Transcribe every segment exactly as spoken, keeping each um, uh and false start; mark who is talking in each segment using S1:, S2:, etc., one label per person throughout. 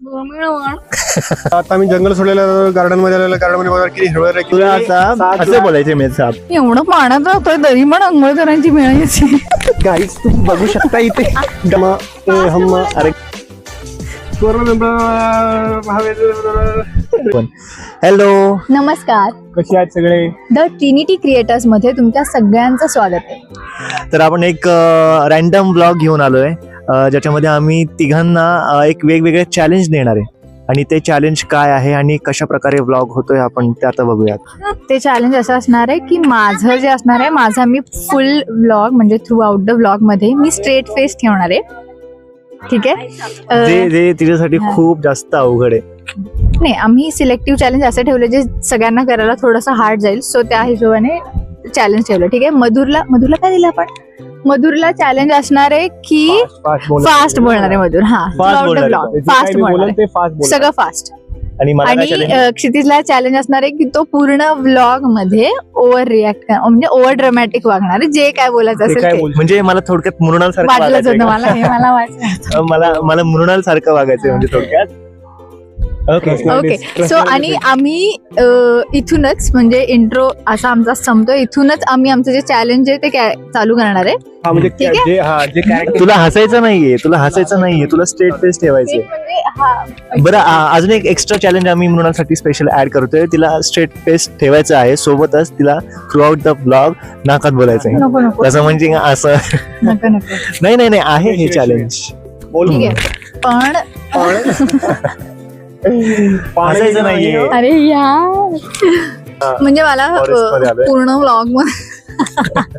S1: आता मी जंगल सोडलेलं, गार्डन मध्ये आलेलं, गार्डन मध्ये बघा किती हिरवळ आहे.
S2: तुला आता असं बोलायचं मेल साहेब,
S3: एवढं पाण्यात जातोय तरी पण अंघोळ करायची वेळ यायची.
S2: गाईज तुम्ही बघू शकता इथे
S1: डमा, ए, हम,
S2: अरे हॅलो
S3: नमस्कार,
S1: कसे आहेत सगळे?
S3: द ट्रिनिटी क्रिएटर्स मध्ये तुमच्या सगळ्यांचं स्वागत आहे.
S2: तर आपण एक रॅन्डम ब्लॉग घेऊन आलोय, अ, ज्याच्यामध्ये आम्ही तिघांना अ, एक वेगवेगळे चॅलेंज देणार आहे आणि ते चॅलेंज काय आहे आणि कशा प्रकारे ब्लॉग होतोय आपण ते आता बघूयात.
S3: ते चॅलेंज असं असणार आहे की माझं जे असणार आहे, माझा मी फुल व्लॉग म्हणजे थ्रू आउट द व्लॉग मध्ये मी स्ट्रेट फेस ठेवणार आहे. ठीक आहे,
S2: जे
S3: अ,
S2: जे तिच्यासाठी
S3: हा.
S2: खूप जास्त अवघड आहे.
S3: नाही, आम्ही सिलेक्टिव्ह चॅलेंज असे ठेवले जे सगळ्यांना करायला थोडंसं हार्ड जाईल, सो त्या हिशोबाने चॅलेंज ठेवलं. ठीक आहे, मधुरला मधुरला काय दिलं आपण? मधुरला चॅलेंज असणार आहे की फास्ट बोलणार आहे मधुर. हा,
S2: Fast बोलणार आहे.
S3: ब्लॉग फास्ट बोलणार आहे,
S1: ते फास्ट बोल.
S3: सगळं फास्ट.
S2: आणि मला काय
S3: आणि
S2: challenge?
S3: अ, क्षितिजला चॅलेंज असणार आहे की तो पूर्ण व्लॉग मध्ये ओव्हर रिॲक्ट म्हणजे ओव्हर ड्रामॅटिक वागणार आहे, जे काय बोलायचं
S1: ते
S3: असेल
S1: काय
S3: ते.
S1: बोल.
S2: म्हणजे मला थोडक्यात मृणाल सारखं
S3: वाटलंच होतं
S2: वागायचं
S3: मला, हे मला वाटलं.
S2: मला मला मृणाल सारखं वागायचं म्हणजे थोडक्यात. ओके
S3: ओके, सो आणि आम्ही अ, इथूनच म्हणजे इंट्रो असा आमचा संपतो, इथूनच आम्ही आमचं जे चॅलेंज आहे ते काय चालू करणार आहे.
S1: हा, म्हणजे
S3: ठीक आहे.
S1: जे हा जे character-
S2: तुला हसायचं नाहीये, तुला हसायचं नाहीये, तुला स्ट्रेट फेस ठेवायचे.
S3: एक म्हणजे हा
S2: बरं, आ- अजून एक एक्स्ट्रा चॅलेंज आम्ही मृणालसाठी स्पेशल ऍड करतोय. तिला स्ट्रेट फेस ठेवायचं आहे, सोबतच तिला थ्रू आउट द ब्लॉग नाकात बोलायचं आहे.
S3: नको नको
S2: तसं म्हणजे असं
S3: नको नको
S2: नाही नाही नाही आहे हे चॅलेंज.
S1: बोल.
S3: ठीक आहे, पण
S2: हसायचं नाहीये.
S3: अरे यार, म्हणजे मला
S2: Forest मध्ये
S3: अ,
S2: आलोय.
S3: पूर्ण व्लॉग मध्ये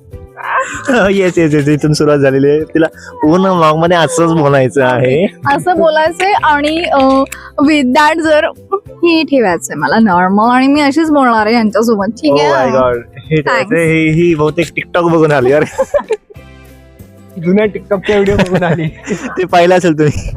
S2: येस येस येस इथून सुरुवात झालेली आहे. तिला पूर्ण ब्लॉग मध्ये असंच बोलायचं आहे.
S3: असं बोलायचंय आणि विथ दॅट जर हे ठेवायचंय मला नॉर्मल, आणि मी अशीच बोलणार आहे यांच्यासोबत. ठीक
S2: Oh my
S3: आहे,
S2: God. हे
S3: Thanks.
S2: हे ही बहुतेक टिकटॉक बघून आली अरे.
S1: जुन्या टिकटॉकच्या व्हिडिओ बघून आली.
S2: ते पाहिलं असेल तुम्ही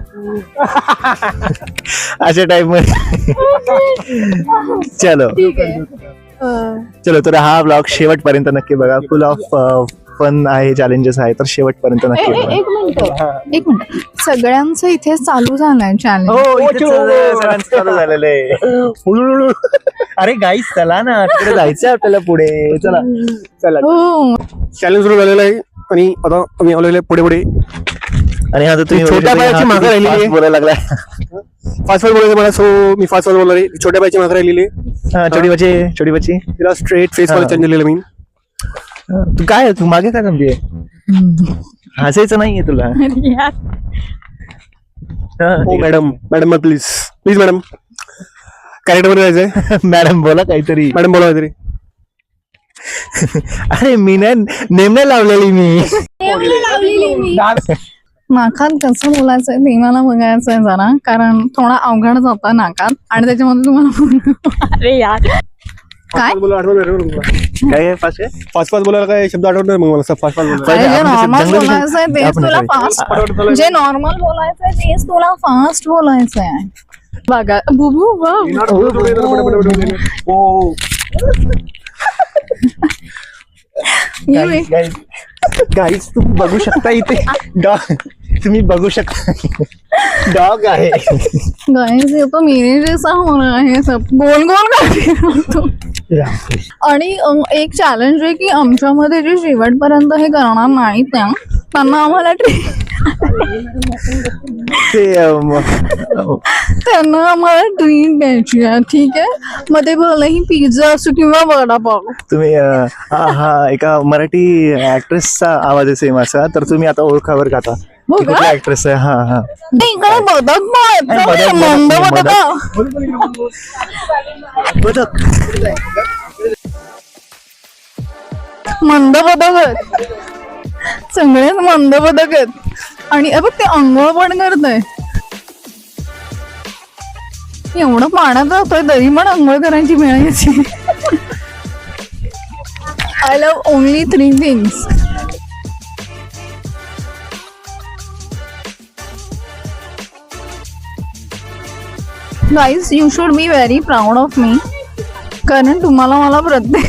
S2: अशा टाइप मध्ये. चलो
S3: ठीक आहे. अ,
S2: चलो, तर हा ब्लॉग शेवटपर्यंत नक्की बघा. फुल ऑफ फन आहे, चॅलेंजेस आहे, तर शेवटपर्यंत
S3: ए-
S2: नक्की
S3: ए-
S2: बघा.
S3: एक मिनिट एक मिनिट सगळ्यांचं इथे चालू झालंय चॅलेंज.
S2: हो, इथेच
S1: चलो.
S2: सगळ्यांचं चालू झालेलं आहे.
S1: हुळुळुळु.
S2: अरे गाईस चला ना, तिकडे जायचंय आपल्याला पुढे. चला
S1: चला,
S3: हो,
S1: चॅलेंज सुरू झालेलं आहे आणि आता आम्ही आलेले पुढे पुढे.
S2: आणि आता तुम्ही
S1: छोट्या
S2: हा,
S1: बायाची
S2: किती
S1: मागं राहिलेली
S2: fast
S1: आहे.
S2: बोलायला लागलाय.
S1: फास्ट फास्ट बोलायचं मला, सो मी फास्ट फास्ट बोलणार आहे. छोट्या बाईची मागे राहिलेली आहे.
S2: हा, छोटी बच्ची छोटी बच्ची
S1: तिला स्ट्रेट फेस मध्ये
S2: हा.
S1: चेंज दिलेलं मी.
S2: तू काय तू मागे काय समजे हसायचं नाहीये तुला.
S3: यार.
S2: हा,
S1: हो madam, madam please please madam, character मध्ये जायचंय.
S2: मॅडम बोला काहीतरी.
S1: मॅडम बोला तरी.
S2: अरे मी नाही नेम नाही लावलेली मी.
S3: नाकात कसं बोलायचंय ते मला बघायचंय जरा, कारण थोडा अवघड जाता नाकात आणि त्याच्यामध्ये तुम्हाला अरे यार काय
S1: बोला आठवण नाही रे मला.
S2: काय फास्ट आहे?
S1: फास्ट फास्ट बोलायला काय शब्द आठवत नाही मग मला. फास्ट फास्ट बोलायला.
S3: अरे, जे
S2: आपण
S3: नॉर्मल
S2: जंगल-
S3: बोलायचंय तेच
S2: आपण
S3: तुला
S2: काय?
S3: फास्ट, जे नॉर्मल बोलायचंय तेच तुला फास्ट बोलायचंय. बघा बुबू
S1: हो.
S2: गाईज तुम्ही बघू शकता इथे डॉग, तुम्ही बघू शकता डॉग आहे.
S3: गाइस ये तो मेरे जैसा हो रहा है, सब गोल गोल करते. आणि अं, एक चॅलेंज आहे की आमच्यामध्ये जे शेवटपर्यंत हे करणार नाहीत त्या त्यांना आम्हाला ट्रीट
S2: ते अम,
S3: त्यांना आम्हाला ट्रीट द्यायची आहे. ठीक आहे, मग ते भलेही पिझ्झा असो किंवा वडापाव.
S2: तुम्ही अ, हा हा एका मराठी ऍक्ट्रेसचा आवाज आहे सेम असा, तर तुम्ही आता ओळखावर का आता
S3: हो
S2: ती
S3: का?
S2: कुठली ऍक्ट्रेस आहे? हा हा
S3: ते इकडे बदक पण आहेत
S2: बदक,
S3: ना,
S2: बदक,
S3: मंद
S2: बदक.
S3: बदक
S2: बदक.
S3: मंद बदक आहेत, सगळेच मंद बदक आहेत. आणि अ बघ ते अंघोळ पण करत आहे. एवढं पाण्यात जातोय तरी पण अंघोळ करायची वेळ यायची. I love only three things. Guys, you should be very proud of me, कारण तुम्हाला मला प्रत्येक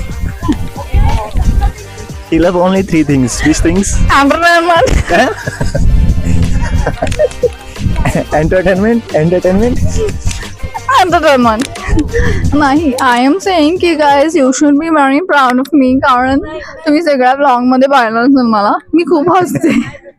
S2: He love only three things. Which things?
S3: Entertainment
S2: entertainment entertainment
S3: entertainment नाही. आय एम सेइंग की guys you should be very proud of me, कारण तुम्ही सगळ्या blog मध्ये पाहिलं असेल मला, मी खूप हसते.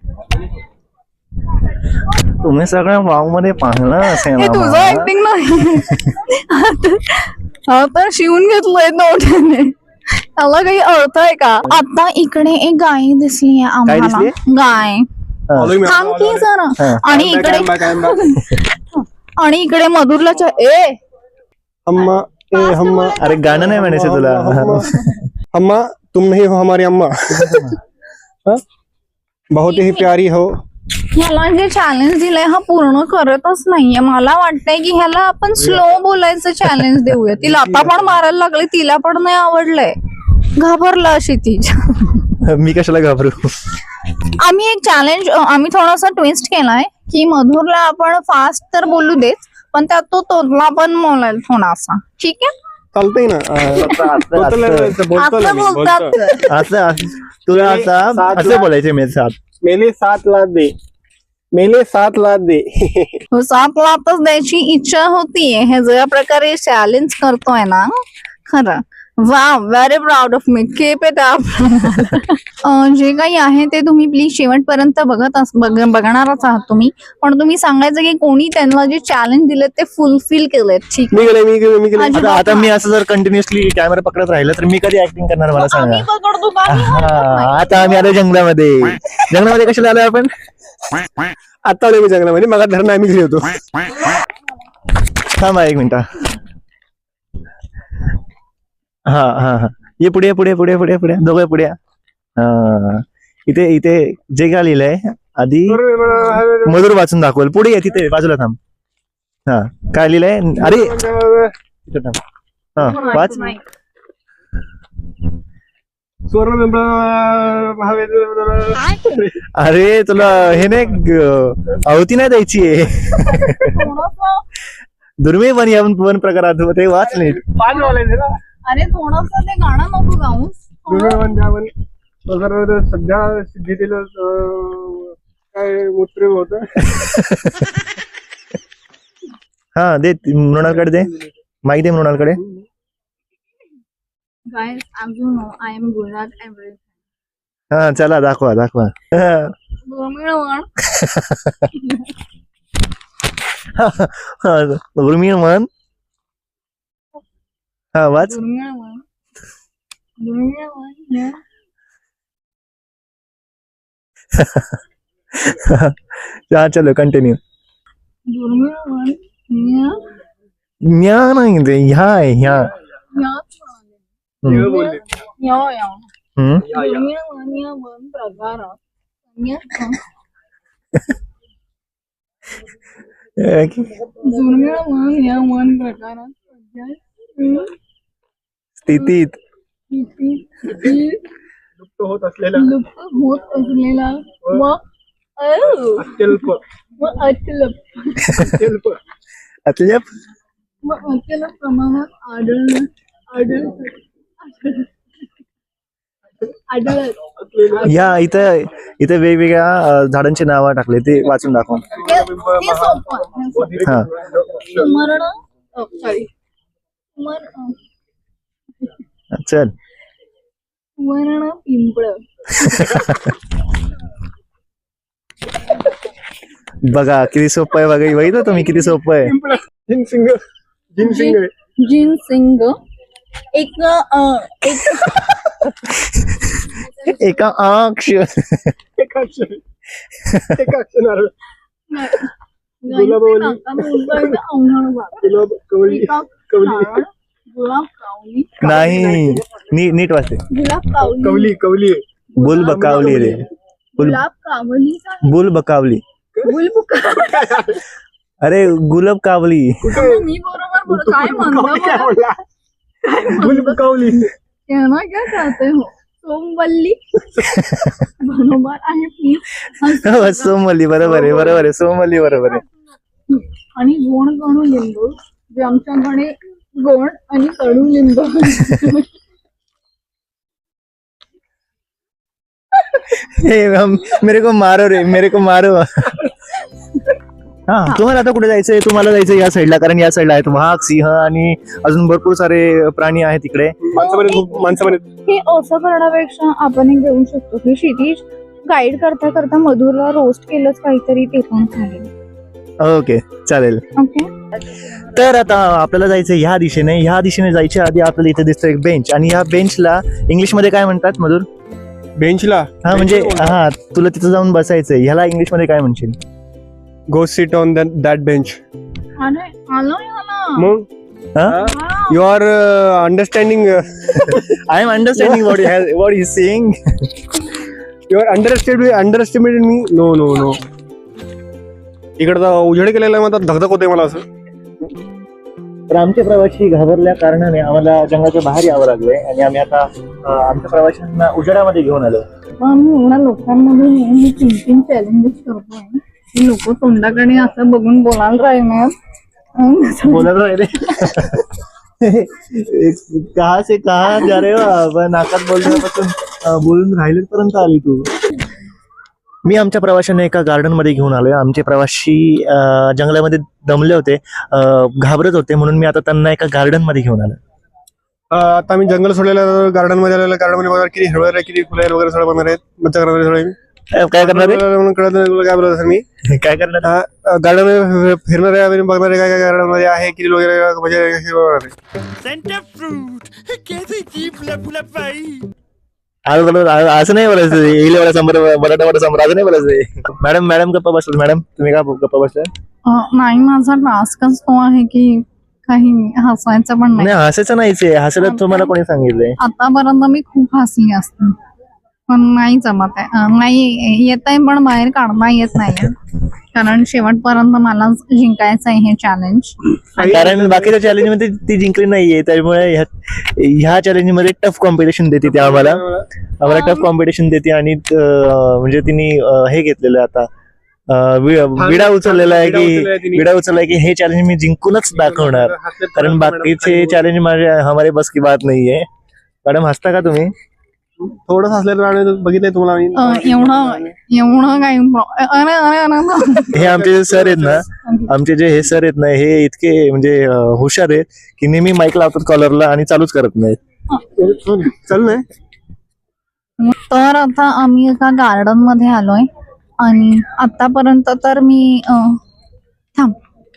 S2: तुम्ही सगळ्या ब्लॉग मध्ये पाहिलं असेल
S3: हे तुझं
S2: आम्हाला.
S3: ऍक्टिंग नाही. आता आता शिवून घेतलंय नोट्याने, त्याला काही अर्थ आहे का? आता इकडे एक गाय दिसली आहे आम्हाला,
S2: दिसलीये?
S3: गाय.
S1: Following me,
S3: थांब की जरा.
S2: हा.
S3: आणि
S1: I'm back,
S3: इकडे
S1: I'm back, I'm back.
S3: आणि इकडे मधुरला चा- ए
S1: अम्मा ए हम्मा
S2: अरे गाणं नाही म्हणायचं तुला.
S1: अम्मा तुम नहीं हो हमारी अम्मा. हाँ? बहुत ही प्यारी हो.
S3: ह्याला जे चॅलेंज दिलंय हा पूर्ण करतच नाहीये. मला वाटतंय की ह्याला आपण स्लो बोलायचं चॅलेंज देऊया. तिला आता पण मारायला लागले, तिला पण नाही आवडलंय, घाबरला अशी ती.
S2: मी कशाला घाबरू.
S3: आम्ही एक चॅलेंज आम्ही थोडासा ट्विस्ट केलाय की मधुरला आपण फास्ट तर बोलू देत, पण त्यात तो तोडला पण बोलायला थोडासा. ठीक आहे,
S1: चालतंय ना. अं,
S2: असं-
S1: बोलतो ना,
S2: असं-
S1: बोलतो ना
S3: असं
S1: मी,
S3: बोलतात.
S1: बोलतो.
S2: असं असं- तुला आता
S1: सात
S2: असं
S1: लाख-
S2: बोलायचे मेरे साथ.
S1: मेले सात लाख दे, मेले सात लाख दे.
S3: हो, सात लाखच द्यायची इच्छा होतीये. हे ज्या प्रकारे चॅलेंज करतोय ना, खरं वा, व्हेरी प्राऊड ऑफ मी. केप आहे त्या. जे काही आहे ते तुम्ही प्लीज शेवटपर्यंत बघत अस बघ- बघणारच आहात तुम्ही, पण तुम्ही सांगायचं की कोणी त्यांना जे चॅलेंज दिले ते फुलफिल केलेत. ठीक
S1: मी गेले मी गेले मी गेले.
S3: अजिबात
S2: आता आता मी
S3: नाही.
S2: असं जर कंटिन्युअसली कॅमेरा पकडत राहिलं तर मी कधी ऍक्टिंग करणार मला सांगा.
S3: आम्ही पकडतो का? आम्ही हरकत नाही.
S2: हा, आता आम्ही आलो जंगलामध्ये. जंगलामध्ये कशाला आलोय आपण.
S1: आता आलोय मी जंगलामध्ये, मग धरण आम्ही घरी होतो.
S2: थांबा एक मिनिट. हा हा हा ये पुढे पुढे पुढे पुढे पुढे दोघे पुढे या. हा इथे इथे जे काय लिहिलंय आधी मधुर वाचून दाखवल. पुढे ये, तिथे बाजूला थांब. हा काय लिहिलंय. अरे तिथे थांब. हा वाच.
S3: नाही.
S1: सुवर्ण महाविद्यालय.
S2: अरे तुला हे नाही ग- आहुती नाही द्यायची आहे.
S3: थोडंसं-
S2: दुर्मिळ वन या वन प्रकारात ते वाच नीट.
S1: पाच वालायचे ना.
S3: अरे थोडस ते गाणं नको गाऊस.
S1: दुर्मिळ वन तर सध्या सिद्धीतील अं, काय मूत्र होत.
S2: हा दे मृणालकडे दे. माहिती दे मृणालकडे.
S3: Guys, as you know, I am good at everything.
S2: हा चला दाखवा दाखवा.
S3: दुर्मिळ वन.
S2: दुर्मिळ वन. हा वाच.
S3: दुर्मिळ वन. दुर्मिळ वन. yeah.
S2: हा चलो कंटिन्यू.
S3: दुर्मिळ वन. yeah.
S2: न्या नाही ते ह्या आहे ह्या.
S3: याच म्हणाले.
S2: हम्म.
S1: बोलले.
S3: या या.
S2: हम्म.
S3: दुर्मिळ वन या वन प्रकारात अन्यथा दुर्मिळ वन या वन प्रकारात सध्या
S2: स्थितीत
S3: स्थिती
S1: लुप्त होत असलेला
S3: लुप्त होत असलेला व अ-
S1: अत्यल्प
S3: व अत्यल्प
S1: अत्यल्प
S2: अत्यल्प
S3: व अत्यल्प प्रमाणात आढळणं आढळत आढळत
S1: असलेला
S2: या इथं इथं वेगवेगळ्या अं, झाडांची नावं टाकले ते वाचून दाखव.
S3: हे- हे सोपं आहे. हे सोपं आहे.
S2: हा
S3: सुमर्ण अ, सॉरी सुमर्ण
S2: चल.
S3: सुवर्ण पिंपळ
S2: बघा किती सोपं आहे. बघा बघितलं तुम्ही किती सोपं आहे.
S1: जिनसिंग जिनसिंग
S3: जिन सिंग एक अ, एक
S2: एका अक्ष
S1: एका क्षण एका क्षणावर
S3: गुलाब
S1: गुलाब कवळी कवली
S3: गुलाब कावली
S2: नाही नी, नीट वाचते.
S3: गुलाब कावली
S1: कवली कवली
S2: बुल बकावली रे. बुल
S3: गुलाब कावली
S2: बुल बकावली.
S3: गुलबुका
S2: अरे गुलाब कावली.
S3: मी बरोबर बोल काय म्हणतो
S1: गुलाब कवली
S3: कहना क्या चाहते हो सोमवल्ली बरोबर आहे प्लीज.
S2: सोमवल्ली बरोबर आहे बरोबर आहे सोमवल्ली बरोबर आहे.
S3: आणि गोड कडू लिंबू जे आमच्याकडे गोड आणि कडू लिंबू
S2: हे हम- मेरे को मारो रे मेरे को मारो. हा तुम्हाला आता कुठे जायचंय? तुम्हाला जायचं या साईडला, कारण या साईडला आहेत वाघ, सिंह आणि अजून भरपूर सारे प्राणी आहेत तिकडे.
S1: माणसं पण खूप माणसं पण आहेत.
S3: हे असं करण्यापेक्षा आपण एक घेऊ शकतो की क्षितिज गाईड करता करता मधुरला रोस्ट केलंच काहीतरी, ते पण चालेल.
S2: ओके चालेल.
S3: ओके,
S2: तर आता आपल्याला जायचं ह्या दिशेने. ह्या दिशेने जायच्या आधी आपल्याला इथे दिसतं एक बेंच, आणि ह्या बेंचला इंग्लिश मध्ये काय म्हणतात मधुर?
S1: बेंचला
S2: हा म्हणजे हा तुला तिथं जाऊन बसायचंय, ह्याला इंग्लिश मध्ये काय म्हणशील?
S1: Go sit on that bench.
S3: अरे आलो ना
S1: मग
S2: हा?
S1: You are understanding.
S2: I am understanding what what is saying.
S1: You are understand underestimated me. No no no इकडचा उजेड केलेला आहे, मला धगधग होते मला असं.
S2: तर आमचे प्रवासी घाबरल्या कारणाने आम्हाला जंगलाच्या बाहेर यावं लागलंय, आणि आम्ही आता अं, आमच्या प्रवाशांना उजेडामध्ये घेऊन आलो.
S3: आम्ही एवढ्या लोकांमध्ये मी तीन तीन चॅलेंजेस करतोय. ही लोक तोंडाकडे असं बघून बोलायला राहिले.
S2: बोलत राहिले कहा से कहा जा रहे हो आप? नाकात बोलण्यापासून अं, बोलून राहिले पर्यंत आली तू. मी आमच्या प्रवाशांना एका गार्डन मध्ये घेऊन आलोय. आमचे प्रवासी अं, जंगलामध्ये दमले होते, अं, घाबरत होते, म्हणून मी आता त्यांना एका गार्डन मध्ये घेऊन आलो.
S1: आता आम्ही जंगल सोडलेलं, गार्डन मध्ये आलेलं. गार्डन मध्ये बघा किती हिरवळ आहे, किती फुलं वगैरे सगळं बनणार आहेत. मच्छा करणार आहे सगळं.
S2: अं, काय करणार आहे?
S1: म्हणून कळत नाही तुला काय बोलत असेल मी.
S2: काय करणार?
S1: गार्डन मध्ये फिरणार आहे, आम्ही बघणार आहे काय काय गार्डन मध्ये आहे, किती लोक म्हणजे हे बघणार आहे.
S2: असं नाही बोलायचं, इले वाला समोर मराठा वाला समोर असं नाही बोलायचं. मॅडम मॅडम गप्पा बसलो. मॅडम तुम्ही का गप्पा बसला?
S3: नाही, माझा टास्कच तो आहे की काही हसायचं पण
S2: नाही, हसायचं नाहीच आहे. हसायला तुम्हाला कोणी सांगितलंय?
S3: आतापर्यंत मी खूप हसली असते, पण नाही जमत आहे. नाही येत आहे, पण बाहेर काढता येत नाही, कारण शेवटपर्यंत मला जिंकायचं आहे हे चॅलेंज.
S2: कारण बाकीच्या चॅलेंज मध्ये ती जिंकली नाहीये, त्यामुळे ह्या चॅलेंज मध्ये टफ कॉम्पिटिशन देते ती आम्हाला. आम्हाला टफ कॉम्पिटिशन देते, आणि म्हणजे तिने हे घेतलेलं आता विडा उचललेला आहे की विडा उचललाय की हे चॅलेंज मी जिंकूनच दाखवणार, कारण बाकीचे चॅलेंज माझे हमारे बस की बात नाहीये. मॅडम हसता का तुम्ही?
S1: थोडं हसलेलं बघितलंय तुम्हाला.
S3: एवढं एवढं काही अरे अरे अरे
S2: हे आमचे जे सर आहेत ना, आमचे जे हे सर आहेत ना, हे इतके म्हणजे हुशार आहेत की नेहमी माईक लावतात कॉलरला आणि चालूच करत नाहीत.
S1: चल नाही.
S3: तर आता आम्ही एका गार्डन मध्ये आलोय, आणि आतापर्यंत तर मी अं, थांब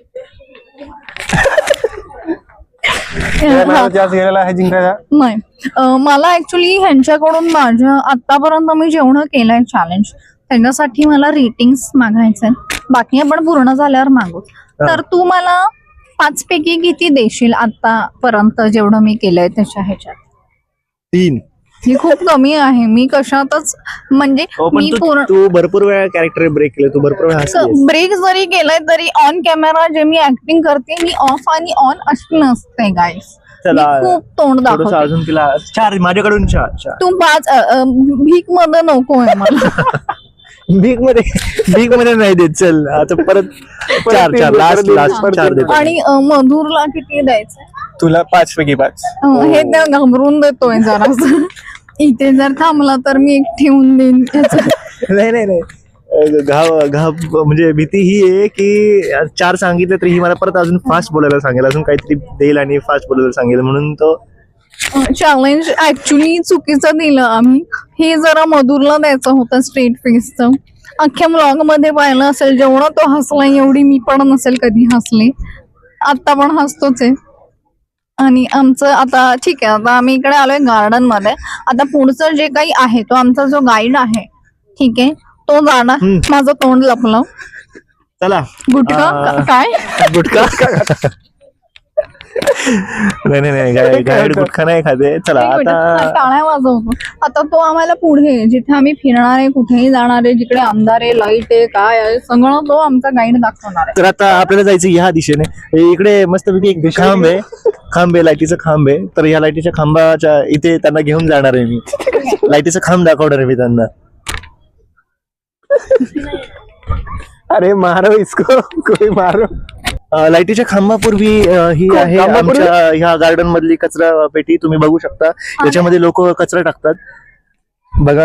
S1: जास्त गेलेला आहे जिंकायला.
S3: नाही, अं, मला ऍक्च्युली ह्यांच्याकडून माझ्या आतापर्यंत मी जेवढं केलंय चॅलेंज, त्याच्यासाठी मला रेटिंग्स मागायचे. बाकी आपण पूर्ण झाल्यावर मागू. तर तू मला पाच पैकी किती देशील आतापर्यंत जेवढं मी केलंय त्याच्या ह्याच्यात?
S2: तीन.
S3: ही खूप कमी आहे. मी कशातच म्हणजे मी पूर्ण
S2: तू भरपूर वेळा कॅरेक्टर ब्रेक केलं, तू भरपूर वेळा
S3: ब्रेक जरी केलाय तरी ऑन कॅमेरा जे मी ऍक्टिंग करते, मी ऑफ आणि ऑन अशी नसते गाईस. खूप तोंड दाखवते.
S2: अजून तिला चार माझ्याकडून चार चार.
S3: तू पाच भीक मध्ये नको आहे मला.
S2: भीक मध्ये भीक मध्ये नाही देत. चल आता परत चार चार लास्ट लास्ट चार देतो.
S3: आणि अं, मधुरला किती द्यायचं?
S1: तुला पाच पैकी पाच.
S3: अं, हे त्या घाबरून देतोय जरा. इथे जर थांबला तर मी एक ठेवून देईन.
S2: नाही नाही नाही, घाव घाव म्हणजे भीती ही आहे की चार सांगितलं तरी ही मला परत अजून फास्ट बोलायला सांगेल, अजून काहीतरी देईल आणि फास्ट बोलायला सांगेल, म्हणून तो
S3: चॅलेंज ऍक्च्युली चुकीचं दिलं आम्ही. हे जरा मधुरला द्यायचं होतं स्ट्रेट फेसचं. अख्ख्या ब्लॉग मध्ये पाहिलं असेल, जेवढा तो हसला एवढी मी पण नसेल कधी हसले. आता पण हसतोच आहे. आणि आमचं आता ठीक आहे, आता आम्ही इकडे आलोय गार्डन मध्ये. आता पुढचं जे काही आहे, तो आमचा जो गाईड आहे, ठीक आहे, तो जाणार. माझं तोंड लपलं.
S2: चला
S3: गुटखा काय?
S2: गुटखा नाही नाही नाही, गाईड गुटखा नाही खाते. चला आता
S3: टाळ्या वाजवतो. आता तो आम्हाला पुढे जिथे आम्ही फिरणार आहे, कुठेही जाणार आहे, जिकडे अंधार आहे, लाईट आहे, काय आहे, सगळं तो आमचा गाईड दाखवणार आहे.
S2: तर आता आपल्याला जायचं ह्या दिशेने. इकडे मस्तपैकी एक खांब आहे, खांब आहे, लाईटीचा खांब आहे. तर ह्या लाईटीच्या खांबाच्या इथे त्यांना घेऊन जाणार आहे मी. लाईटीचा खांब दाखवणार आहे मी त्यांना.
S1: अरे मारो इसको, कोई मारो.
S2: लाईटीच्या खांबापूर्वी ही आहे आमच्या ह्या गार्डन मधली कचरा पेटी. तुम्ही बघू शकता, याच्यामध्ये लोक कचरा टाकतात बघा.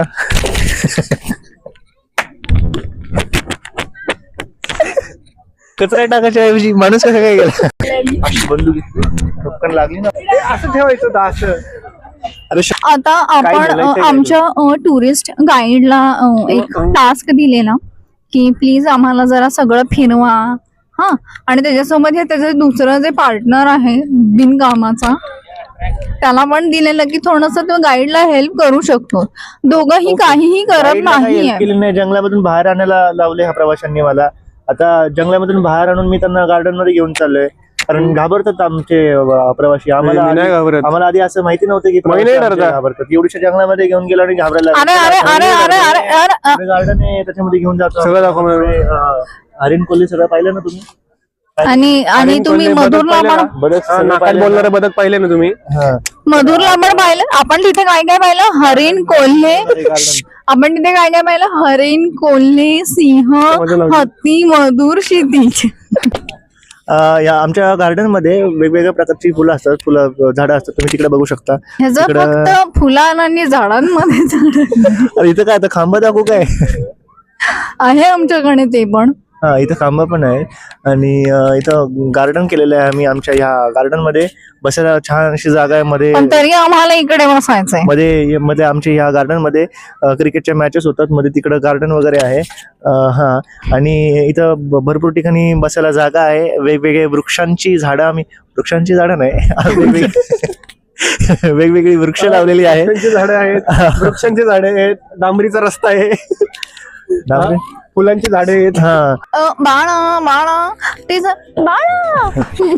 S2: कचरा टाकायच्या ऐवजी माणूस कसं काय गेला? अशी बंदूक ठपकन लागली ना.
S1: असं ठेवायचं होतं असं.
S2: अरे श-
S3: आता आपण
S1: बोलायचं
S3: अ,
S1: आहे
S3: आमच्या टुरिस्ट गाईडला एक टास्क दिलेला की प्लीज आम्हाला जरा सगळं फिरवा हा, आणि त्याच्यासोबत हे त्याचं दुसरं जे पार्टनर आहे बिनकामाचा त्याला पण दिलेलं की थोडस तो गाईडला हेल्प करू शकतो. दोघंही काहीही करत
S2: गाईडला काही
S3: नाहीये.
S2: help केली नाही. जंगलामधून बाहेर आणायला लावले ह्या प्रवाशांनी मला. आता जंगलामधून बाहेर आणून मी त्यांना गार्डन मध्ये घेऊन चाललोय, कारण घाबरतात आमचे अ, प्रवासी. आम्हाला
S1: मी नाही
S2: आधी-
S1: घाबरत.
S2: आम्हाला आधी असं माहिती नव्हतं की प्रवासी
S1: नाही
S2: आमचे
S1: डरता.
S2: घाबरतात. एवढ्या जंगलामध्ये घेऊन गेलो आणि घाबरायला
S3: अरे अरे अरे अरे अरे अरे
S2: गार्डन आहे त्याच्यामध्ये घेऊन जातो.
S1: सगळं दाखव मला.
S2: पुढे, अ, हरिण कोल्हे सगळं पाहिलं ना तुम्ही?
S3: आणि आणि
S1: हरिण
S3: तुम्ही
S1: कोल्हे, बदक
S3: मधुरला
S1: पाहिलं
S3: पण
S1: का?
S2: बदक
S1: हा,
S2: सगळं
S1: नाकात
S2: पाहिलं ना?
S1: बोलणारे बदक पाहिले ना तुम्ही?
S2: हा.
S3: मधुरला पण पाहिलं. आपण तिथे काय काय पाहिलं? हरिण कोल्हे.
S2: अरे गार्डन.
S3: आपण तिथे काय काय पाहिलं? हरिण कोल्हे, सिंह,
S1: मजा लागली.
S3: हत्ती, मधुर, क्षितिज.
S2: अ, या आमच्या गार्डन मध्ये वेगवेगळ्या प्रकारची फुलं असतात, फुलं झाडं असतात. तुम्ही तिकडे बघू शकता.
S3: ह्याचं
S2: इकडं-
S3: फक्त फुलां आणि झाडांमध्ये झाड
S2: अरे इथं काय आता खांब दाखवू काय?
S3: आहे आमच्याकडे ते पण.
S2: हा, इथं खांब पण आहे. आणि अ, इथं गार्डन केलेलं आहे आम्ही. आमच्या ह्या गार्डन मध्ये बसायला छान अशी जागा आहे. मध्ये
S3: पण तरी आम्हाला इकडे बसायचंय.
S2: मध्ये मध्ये आमच्या ह्या गार्डन मध्ये अ, क्रिकेटच्या मॅचेस होतात. मध्ये तिकडं गार्डन वगैरे आहे. अ, हा, आणि इथं ब- भरपूर ठिकाणी बसायला जागा आहे. वेगवेगळे वृक्षांची झाडं आम्ही वृक्षांची झाडं नाही वेगवेगळी वेगवेगळी वृक्ष लावलेली आहेत.
S1: वृक्षांची झाडं आहेत, वृक्षांची झाडे आहेत, डांबरीचा रस्ता आहे,
S2: बापरे.
S1: फुलांची झाडे आहेत.
S2: हा,
S3: अ, बाळा बाळा ते ज- बाळा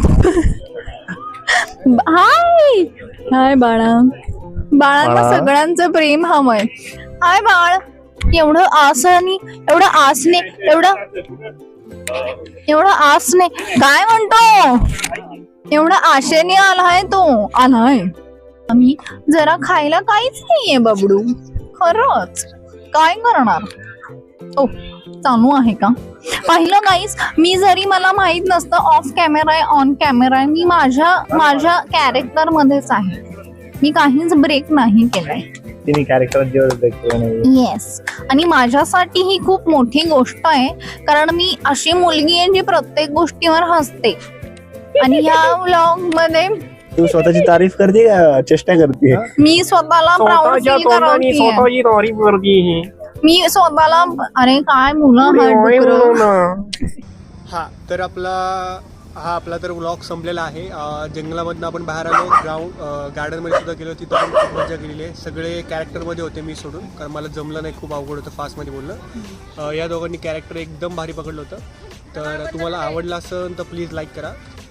S3: हाय हाय बाळा. बाळांना
S2: बाळा.
S3: सगळ्यांचं प्रेम हवंय. हाय बाळ. एवढं आसनी एवढं आसने एवढं एवढं आसने काय म्हणतो? एवढं आशेने आलाय तो आलाय. आम्ही जरा खायला काहीच नाहीये बबडू. खरंच काय करणार? ओ चालू आहे का? पाहिलं गाईस, मी जरी मला माहित नसतं ऑफ कॅमेरा आहे ऑन कॅमेरा आहे, मी माझ्या माझ्या कॅरेक्टर मध्येच आहे. मी काहीच ब्रेक नाही केलाय.
S2: तिने कॅरेक्टर
S3: येस, आणि माझ्यासाठी ही खूप मोठी गोष्ट आहे, कारण मी अशी मुलगी आहे जी प्रत्येक गोष्टीवर हसते. आणि ह्या व्लॉग मध्ये
S2: तू स्वतःची तारीफ करते का चेष्टा करते?
S3: मी स्वतःला प्राऊड
S1: स्वतःच्या
S3: फील
S1: तोंडाने
S3: करते.
S1: स्वतःची तारीफ करते ही.
S3: मी स्वतःला अरे काय मुलं हात
S1: ओय
S3: डुकरं.
S1: म्हणू ना. हा तर आपला हा आपला तर व्लॉग संपलेला आहे. अं, जंगलामधनं आपण बाहेर आलो, ग्राउंड गार्डनमध्ये सुद्धा गेलो, तिथं पण खूप मजा केलेली आहे. सगळे कॅरेक्टरमध्ये होते मी सोडून, कारण मला जमलं नाही, खूप अवघड होतं फास्टमध्ये बोलणं. अं, या दोघांनी कॅरेक्टर एकदम भारी पकडलं होतं. तर तुम्हाला आवडलं असेल तर प्लीज लाईक करा.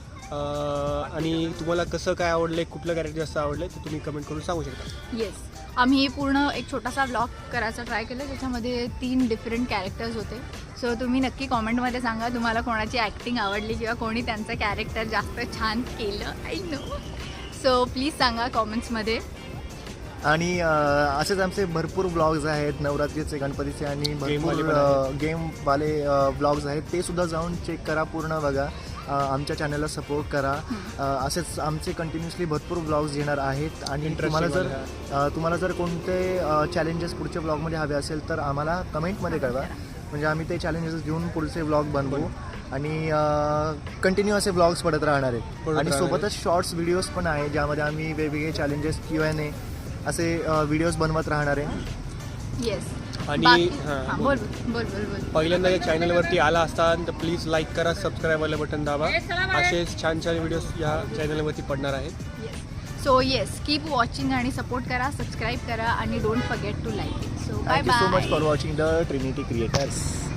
S1: अं, आणि तुम्हाला कसं काय आवडलं, कुठलं कॅरेक्टर जास्त आवडलं ते तुम्ही कमेंट करून सांगू शकता.
S3: येस, आम्ही पूर्ण एक छोटासा व्लॉग करायचा ट्राय केला, ज्याच्यामध्ये तीन डिफरंट कॅरेक्टर्स होते. सो तुम्ही नक्की कॉमेंटमध्ये सांगा तुम्हाला कोणाची ॲक्टिंग आवडली किंवा कोणी त्यांचं कॅरेक्टर जास्त छान केलं. I know. सो प्लीज सांगा कॉमेंट्समध्ये.
S2: आणि अ, असेच आमचे भरपूर ब्लॉग्स आहेत नवरात्रीचे, गणपतीचे आणि
S1: गेमवाले
S2: भरपूर
S1: पण आहेत.
S2: गेमवाले ब्लॉग्स आहेत. ते सुद्धा जाऊन चेक करा, पूर्ण बघा. अ, आमच्या चॅनलला सपोर्ट करा. अ, असेच आमचे कंटिन्युअसली भरपूर ब्लॉग्स येणार आहेत. आणि तुम्हाला जर अ, तुम्हाला जर कोणते चॅलेंजेस पुढच्या ब्लॉगमध्ये हवे असेल तर आम्हाला कमेंटमध्ये कळवा, म्हणजे आम्ही ते चॅलेंजेस घेऊन पुढचे ब्लॉग बनवू. आणि कंटिन्यू असे ब्लॉग्स पडत राहणार आहेत.
S1: पडत
S2: आणि
S1: राहणार
S2: सोबतच शॉर्ट्स व्हिडिओज पण आहे, ज्यामध्ये आम्ही वेगवेगळे चॅलेंजेस क्यू एन ए असे व्हिडिओज बनवत राहणार आहे.
S3: येस.
S1: आणि हां,
S3: हां, बोल बोल बोल बोल.
S1: पहिल्यांदा या चॅनलवरती आला असताल तर प्लीज लाईक करा, सबस्क्राईब वाला बटन दाबा. असेच छान छान व्हिडिओज या चॅनलवरती पडणार आहेत.
S3: सो येस, कीप वॉचिंग आणि सपोर्ट करा, सबस्क्राईब करा आणि don't forget to like it. So bye
S2: thank you so much
S3: bye.
S2: For watching the Trinity creators.